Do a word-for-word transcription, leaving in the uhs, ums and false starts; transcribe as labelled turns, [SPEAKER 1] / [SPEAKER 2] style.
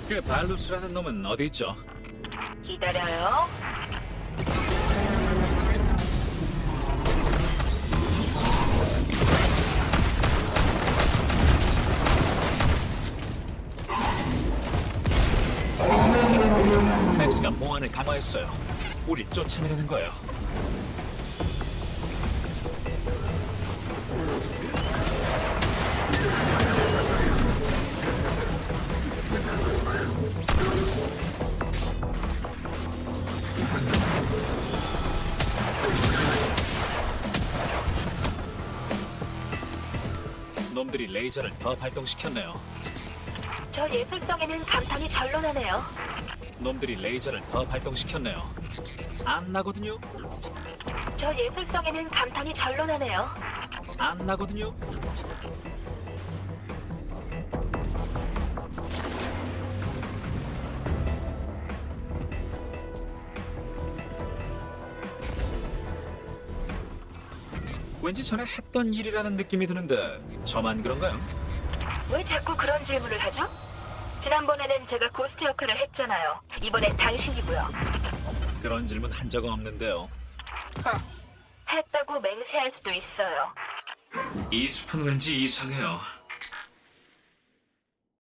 [SPEAKER 1] 그 발루스라는 놈은 어디 있죠?
[SPEAKER 2] 기다려요.
[SPEAKER 1] 맥스가 보안을 강화했어요. 우리 쫓아내려는 거예요. 놈들이 레이저를 더 발동시켰네요.
[SPEAKER 2] 저 예술성에는 감탄이 절로 나네요.
[SPEAKER 1] 놈들이 레이저를 더 발동시켰네요. 안 나거든요.
[SPEAKER 2] 저 예술성에는 감탄이 절로 나네요.
[SPEAKER 1] 안 나거든요. 왠지 전에 했던 일이라는 느낌이 드는데 저만 그런가요?
[SPEAKER 2] 왜 자꾸 그런 질문을 하죠? 지난번에는 제가 고스트 역할을 했잖아요. 이번엔 당신이고요.
[SPEAKER 1] 그런 질문 한 적은 없는데요.
[SPEAKER 2] 했다고 맹세할 수도 있어요.
[SPEAKER 1] 이 숲은 왠지 이상해요.